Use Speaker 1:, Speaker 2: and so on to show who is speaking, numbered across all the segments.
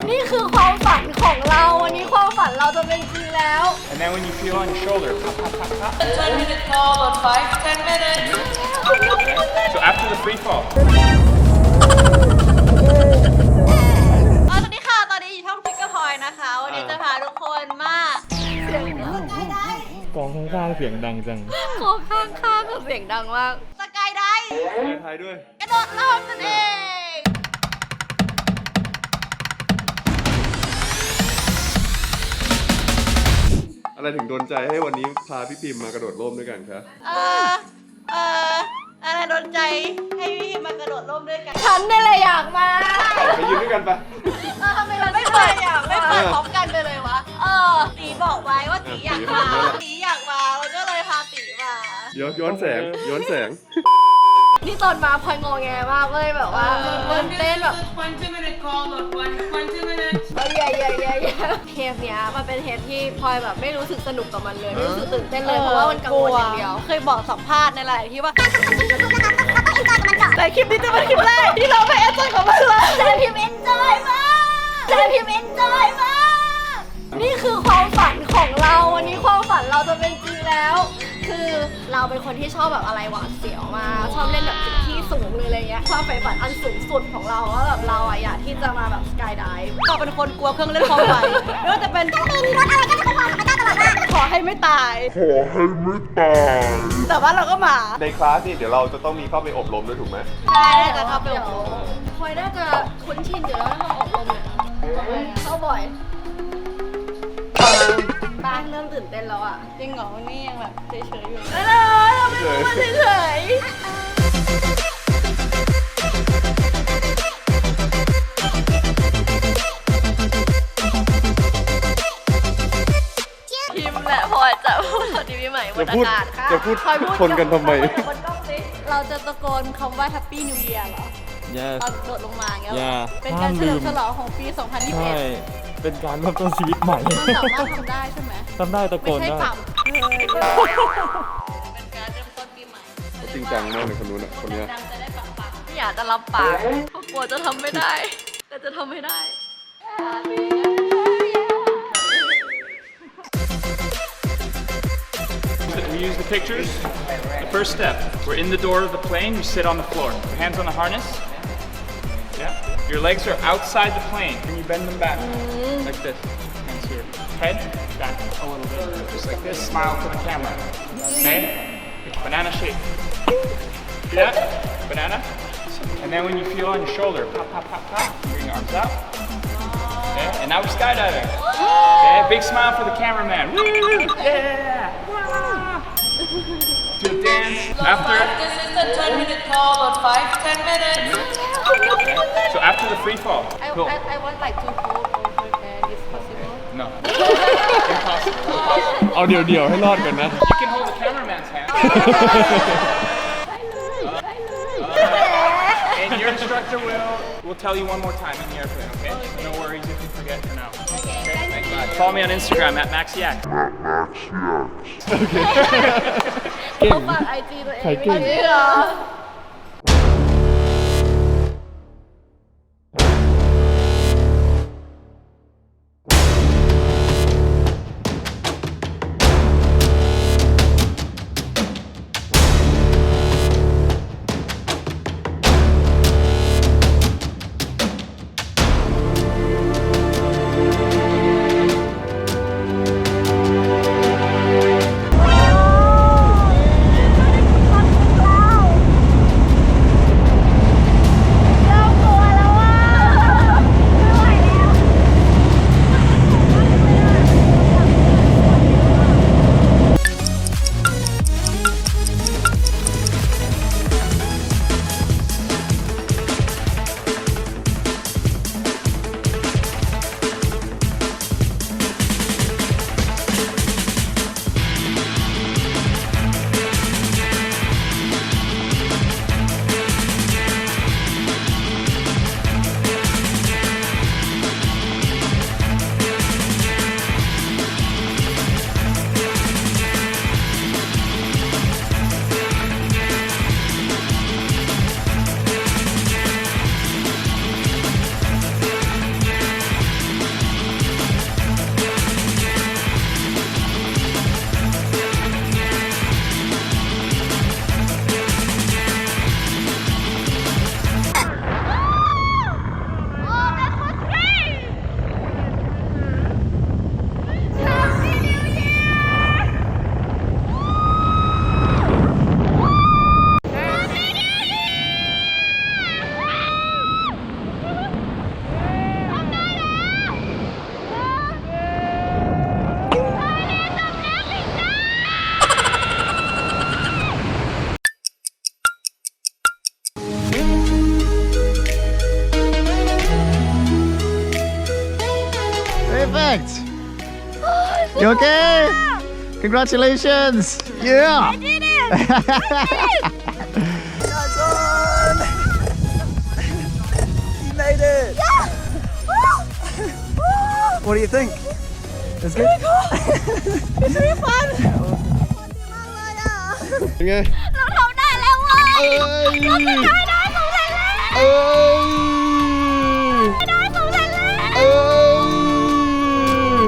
Speaker 1: นี่คือความฝันของเราวันนี้ความฝันเราจะเป็นจริงแล้ว
Speaker 2: And then when you feel on your shoulder, pop, pop, pop, pop.
Speaker 3: 10-minute call on 5-10 minutes.
Speaker 2: So after the free fall.
Speaker 1: สวัสดีค่ะตอนนี้อยู่ช่องพิกเกอร์พอยนะคะวันนี้จะพาทุกคนมาเสียงดัง
Speaker 4: กองข้างๆเสียงดังจัง
Speaker 1: โคข้างๆกับเสียงดังมากสกายไดฟ์
Speaker 4: ไทยด้วย
Speaker 1: กระโดดร่มนั่นเอง
Speaker 5: อะไรถึงโดนใจให้วันนี้พาพี่พิมพ์มากระโดดร่มด้วยกันคะ
Speaker 1: อะไรโดนใจให้พี่มากระโดดร่มด้วยกันฉันนี่แหละอยากมา
Speaker 5: ไปยืนด้วยกันปะ
Speaker 1: ทำไมเราไม่เปิดพร้อมกันไปเลยวะตีบอกไว้ว่าตีอยากมาตีอยากมาเราก็เลยพาตีมา
Speaker 5: เดี๋ยวย้อนแสง
Speaker 1: นี่ตอนมาพลอยงอแงมากเลยแบบว่าตื่นเต้นแบบ
Speaker 3: 20-minute call on 20 minutes.
Speaker 1: เทปเนี้ยมันเป็นเทปที่พลอยแบบไม่รู้สึกสนุกกับมันเลยไม่รู้สึกตื่นเต้นเลยเพราะว่ามันกังวลอย่างเดียวเคยบอกสัมภาษณ์ในหลายที่ว่าแต่คลิปนี้จะเป็นคลิปแรกที่เราไม่เอนจอยกับมันเลยแต่พิมเอนจอยมากนี่คือความฝันของเราวันนี้ความฝันเราจะเป็นจริงแล้ว คือเราเป็นคนที่ชอบแบบอะไรหวาดเสียวมากชอบเล่นแบบจุดที่สูงเลยอะไรเงี้ยความใฝ่ฝันอันสูงสุดของเราว่าแบบเราอะอยากที่จะมาแบบสกายไดฟ์ก็เป็นคนกลัวเครื่องเล่นความฝันไม่ว่าจะเป็นรถอะไรก็จะกลัวมันได้ตลอดว่าขอให้ไม่ตายแต่ว่าเราก็มา
Speaker 5: ในคลาสนี่เดี๋ยวเราจะต้องมีเข้าไปอบรมด้วยถูกไหม
Speaker 1: ใช่น่าจะครับเดี๋ยวพลอยน่าจะคุ้นชินอยู่แล้วถ้ามาอบรมเนี่ยเข้าบ่อยบ้านเริ่มตื่นเต้นแล้วอ่ะจริงเหรอวันนี้ยังแบบเฉยๆอยู่เราไม่รู้ว่าเฉยพิมแหละพอจะพูดสวัสดีปีใหม่บนอากาศค่ะ
Speaker 5: จะพูดชนกันทำไม
Speaker 1: บนกล้องสิเราจะตะโกนคำว่า Happy New Year เหรอ
Speaker 4: yes
Speaker 1: เราโดดลงมาอย่างเงี้ย
Speaker 4: yeah
Speaker 1: เป็นการเฉลิมฉลองของปี
Speaker 4: ใช่
Speaker 1: 2021
Speaker 4: เป็นการเริ่มต้นชีวิตใหม่
Speaker 1: มันสามารถทำได้ใช่ไหม
Speaker 4: ทำได้ตะโก
Speaker 1: ไม่
Speaker 4: น
Speaker 1: ใช่
Speaker 4: ได้
Speaker 1: ต่ำเป็นการเริ่มต้นปีใหม่
Speaker 5: จริงจังมากเลยคนนู้นอ่ะคนเนี้ย
Speaker 1: ดังจะได้ปังๆไม่อยากจะรับปากเพราะกลัวจะทำไม่ได้ แต่จะทำไม่ได้
Speaker 2: We use the pictures. The first step, we're in the door of the plane, you sit on the floor. Your hands on the harness. Yeah. Your legs are outside the plane. Can you bend them back? Like this. Hands here. Head back a little bit. Just like this. Smile to the camera. Okay? Banana shape. See that? Banana. And then when you feel on your shoulder, pop, pop, pop, pop. Bring your arms out. Okay? And now we're skydiving. Okay? Big smile for the cameraman. Woo! Yeah! Do a dance. After.
Speaker 3: This is the 10-minute call on 5-10 minutes.
Speaker 2: So after the free fall. Cool.
Speaker 1: I want like to hold over there is possible
Speaker 2: No. Impossible.
Speaker 4: เอาเดี๋ยวให้รอดก่อนนะ
Speaker 2: You can hold the cameraman's hand. And your instructor will tell you one more time in the airplane, okay? No worries if you forget for now.
Speaker 1: Okay
Speaker 2: Thanks. Follow me on Instagram at Maxiac.
Speaker 4: เก่ง
Speaker 1: ฝากไอจีตัวเอง
Speaker 4: ใครเก่ง
Speaker 1: ไม่เหรอ
Speaker 6: perfect. You okay? Congratulations. Yeah.
Speaker 1: I did it
Speaker 6: Nice one. You made it. What do you think? It's good.
Speaker 1: It's really fun
Speaker 4: เป็นไง
Speaker 1: เราทำได้แล้วเว้ย
Speaker 4: เอ้ย
Speaker 1: ได้สำเร็จแล้ว
Speaker 4: เอ้ย
Speaker 1: ได้สำเร็จแล้ว
Speaker 4: เอ้ย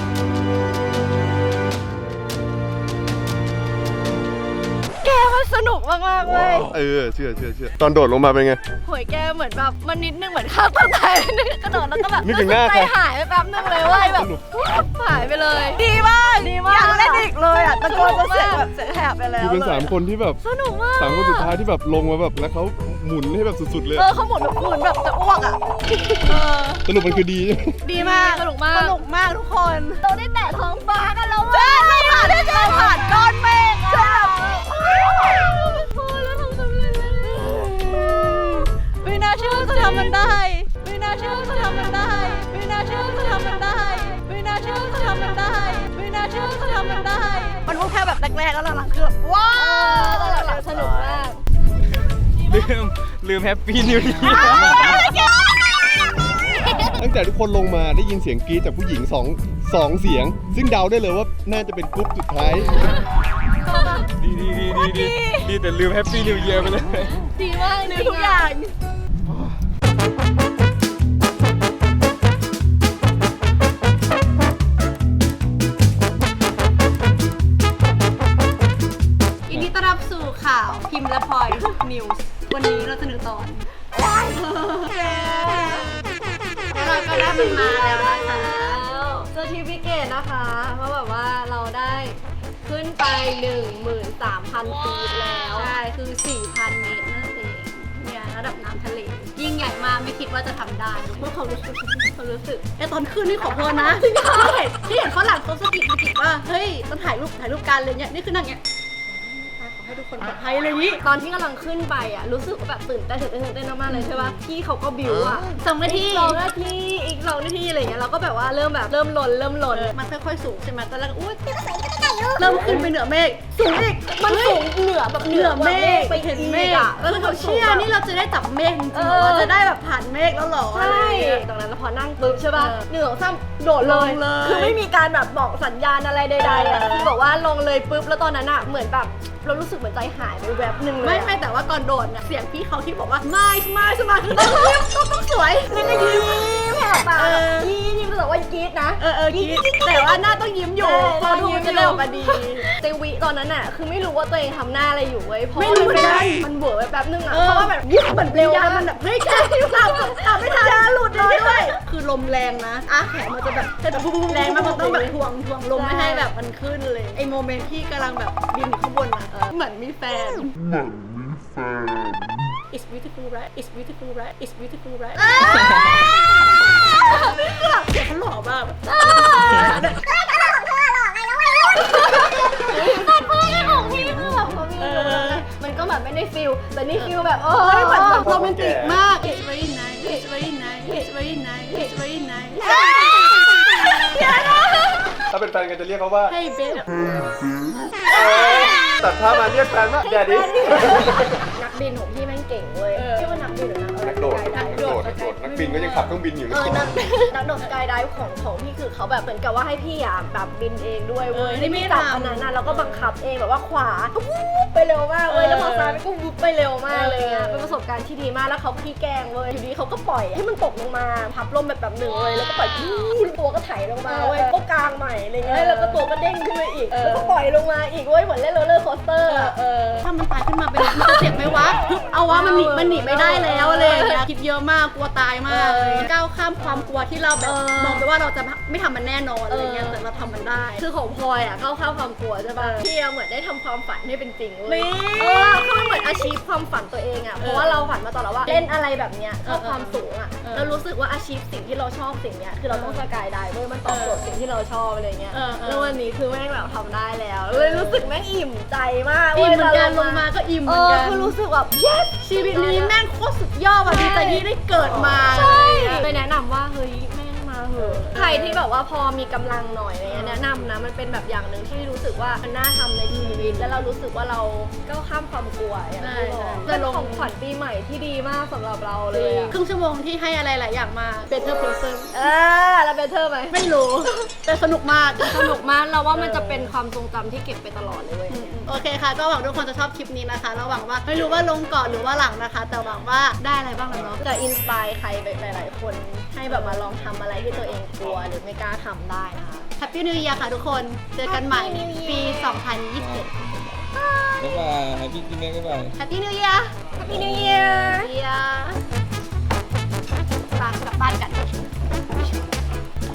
Speaker 1: แกมันสนุกมากๆเว้ย
Speaker 5: เชื่อตอนโดดลงมาเป็นไง
Speaker 1: โหยแกเหมือนแบบมันนิดนึงเหมือนฆ่าตัวตายนิดนึงกระโดดแล้วก็แบบ
Speaker 4: นึกถึงหน้า
Speaker 1: ใจ
Speaker 4: ใคร
Speaker 1: หายไปแป๊บนึงเลยเว้ยแบบหายไปเลย ดีมากอยากเล่นอีกเลยอ่ะตะโกนเสียงแบบเสียงแหบไปแล้ว
Speaker 4: คือเป็น
Speaker 1: เลย
Speaker 4: 3 คนที่แบบ
Speaker 1: สนุกมาก
Speaker 4: 3 คนสุดท้ายที่แบบลงมาแบบแล้วเขาหมุนให้แบบสุดๆเลย
Speaker 1: เขาหมุนแบบจะอ้วกอ่ะ
Speaker 4: สรุปมันคือดีใช่ไหม
Speaker 1: ดีมากสนุกมากทุกคนเราได้แตะท้องฟ้ากันแล้วใช่เราผ่านก้อนเมฆใช่แล้วทำสำเร็จไม่น่าเชื่อจะทำมันได้ไม่น่าเชื่อจะทำมันได้ไม่น่าเชื่อจะทำมันได้ไม่น่าเชื่อจะทำมันได้ไม่น่าเชื่อจะทำมันได้มันพูดแค่แบบแรกๆแล้วหลังๆคือแบบว้าวหลังๆสนุกมาก
Speaker 4: ลืมแฮปปี้นิว เยียร์ตั้งแต่ทุกคนลงมาได้ยินเสียงกรี๊ดจากผู้หญิง2เสียง ซึ่งเดาได้เลยว่าน่าจะเป็นกรุ๊ปสุดท้าย ดีแต่ลืมแฮปปี้นิวเยียร์ไปเลย
Speaker 1: ดีมากเลยทุกอย่างยินดีต้อนรับสู่ข่าวพิมพ์และพลอยนิวส์วันนี้เราจะหนึ่งตอนแล้วเราก็ได้มันมาแล้วนะคะเซอร์ติฟิเคตนะคะเพราะแบบว่าเราได้ขึ้นไป 13,000 ฟีตแล้ว ใช่ คือ 4,000 เมตรนั่นเองเนี่ยระดับน้ำทะเล ยิ่งใหญ่มากไม่คิดว่าจะทำได้เมื่อความรู้สึกไอตอนขึ้นนี่ขอพรนะที่เห็นฝรั่งเขาสะกิดว่าเฮ้ยต้องถ่ายรูปกันเลยเนี่ยนี่คือนั่งเงี้ยขอให้ทุกคนปลอดภัยเลยนี่ตอนที่กำลังขึ้นไปอ่ะรู้สึกว่าแบบตื่นเต้นมากๆเลยใช่ป่ะพี่เขาก็บิวอ่ะ2 นาทีอีก 2 นาทีอะไรเงี้ยเราก็แบบว่าเริ่มลนมันค่อยๆสูงใช่ไหมตอนแรกอุ้ยเริ่มขึ้นไปเหนือเมฆสูงอีกมันสูงเหนือแบบเหนือเมฆไปเห็นเมฆอ่ะแล้วเราเชื่อนี่เราจะได้จับเมฆจริงๆเราจะได้แบบผ่านเมฆแล้วหรอใช่ตรงนั้นพอนั่งปุ๊บใช่ป่ะ1 2 3โดดเลยคือไม่มีการแบบบอกสัญญาณอะไรใดๆอ่ะคือบอกว่าลงเลยปุ๊บแล้วตอนนั้นอ่ะเหมือนแบบเรารู้สึกเหมือนใจหายไปแวบนึงเลยไม่แต่ว่าก่อนโดดเนี่ยเสียงพี่เขาที่บอกว่าไม่คือต้องสวยแล้วก็ยิ้มแผ่ปากยิ้มแต่ว่ากรี๊ดนะกรี๊ดแต่ว่าหน้าต้องยิ้มอยู่พอดูจะได้ออกมาดีเตวิตอนนั้นอ่ะคือไม่รู้ว่าตัวเองทำหน้าอะไรอยู่เว้ยเพราะมันเวอร์ไปแป๊บนึงอ่ะเพราะว่าแบบยิ้มเหมือนเร็วมันแบบเฮ้ยแค่ตามไม่ทันหลุดเลยด้วยคือลมแรงนะแขนมันจะแบบแรงมันต้องแบบทวงลมไม่ให้แบบมันขึ้นเลยไอโมเมนต์ที่กำลังแบบบินข้างบนอ่ะเหมือนมีแฟน It's beautiful right It's beautiful right It's beautiful right นี่คือแบบเสียงเขาหล่อมากมันก็แบบไม่ได้ฟิลแต่นี่ฟิลแบบเหมือนโรแมนติกมาก It's very nice It's very nice It's very nice It's very nice
Speaker 5: ถ้าเป็นแฟนกันจะเรียกเขาว่า
Speaker 1: Hey babe
Speaker 5: ตัดภาพมาเรียกแฟนว่าแดดดี้
Speaker 1: นักบินของพี่แม่งเก่งเว้ยชื่อว่านักบินหรือนัก
Speaker 5: นักโดดนักบินก็ยังขับเครื่องบินอยู่เลย
Speaker 1: นักโดดสกายไดฟ์ของพี่คือเขาแบบเหมือนกับว่าให้พี่อ่ะแบบบินเองด้วยเว้ย
Speaker 7: นี่ไม่
Speaker 1: จับ
Speaker 7: ทำ
Speaker 1: อันนั้นนะแล้วก็บังคับเองแบบว่าขวาก็วูบไปเร็วมากเว้ยแล้วพอซ้ายก็วูบไปเร็วมากเลยอ่ะเป็นประสบการณ์ที่ดีมากแล้วเขาขี้แกล้งเว้ยอยู่ดีเขาก็ปล่อยให้มันตกลงมาพับลมแบบหนึ่งเลยแล้วก็ปล่อยตัวก็ไถลงมาเว้ยก็กางใหม่อะไรเงี้ยแล้วก็ตัวก็เด้งขึ้นมาอีกแล้วก็ปล่อยลงมาอีกเว้ยเหมือนเล่นโรลเลอร์โคสเตอร์ถ้ามันตายขึ้นมาเป็นมันจะเจ็บไหมวะเอาวะมันหนีไม่ได้แล้วอะไรอย่างเงี้ยคิดเยอะมากกลัวตายมากเลยก้าวข้ามความกลัวที่เราแบบมองไปว่าเราจะไม่ทำมันแน่นอนอะไรเงี้ยแต่เราทำมันได้คือของพลอยอ่ะก้าวข้ามความกลัวใช่ป่ะพี่เหมือนได้ทำความฝันให้เป็นจริงเลยคือมันเหมือนอาชีพความฝันตัวเองอ่ะเพราะว่าเราฝันมาตลอดว่าเล่นอะไรแบบเนี้ยชอบความสูงอ่ะเรารู้สึกว่าอาชีพสิ่งที่เราชอบสิ่งเนี้ยคือเราต้องสกายไดฟ์เว้ยมันตอบโจทย์สิ่งที่เราชอบอะไรเงี้ยแล้ววันนี้คือแม่งแบบทำได้แล้วเลยรู้สึกแม่งอิ่มใจมากอิ่มเหมือนกันลงมาก็อิ่มเหมือนกันคือรู้สึกแบบ yes ชีวิตนี้แม่งโคตรสุดยอดว่ะดีใจที่ได้เกิดมาใช่เลยแนะนำว่าเฮ้ยแม่งมาเหอะใครที่แบบว่าพอมีกำลังหน่อยอะไรเงี้ยแนะนำนะมันเป็นแบบอย่างหนึ่งที่รู้สึกว่ามันน่าทำในชีวิตแล้วเรารู้สึกว่าเราก้าวข้ามความกลัวอย่างที่บอกเป็นของขวัญปีใหม่ที่ดีมากสำหรับเราเลยอะ
Speaker 7: ครึ่งชั่วโมงที่ให้อะไรหลายอย่างมา Better Person
Speaker 1: แล้วเบเทอร์ไหม
Speaker 7: ไม่รู้ แต่สนุกมาก
Speaker 1: สนุกมากเราว่ามันจะเป็นความทรงจำที่เก็บไปตลอดเลยเว้ย
Speaker 7: โอเคค่ะ ก็หวังทุกคนจะชอบคลิปนี้นะคะเราหวังว่าไม่รู้ว่าลงก่อนหรือว่าหลังนะคะ แต่หวังว่าได้อะไรบ้างแล้วเนาะ
Speaker 1: จะอินสปายใครไปหลายๆคนให้แบบมาลองทำอะไรที่ตัวเองกลัวหรือไม่กล้าทำได้นะคะ
Speaker 7: Happy New Year ค่ะทุกคน เจอกันใหม่ปี 2021
Speaker 6: บ๊ายบาย Happy New Year บ๊ายบาย
Speaker 7: Happy New Year
Speaker 1: Happy New Year
Speaker 7: กลับบ้านกัน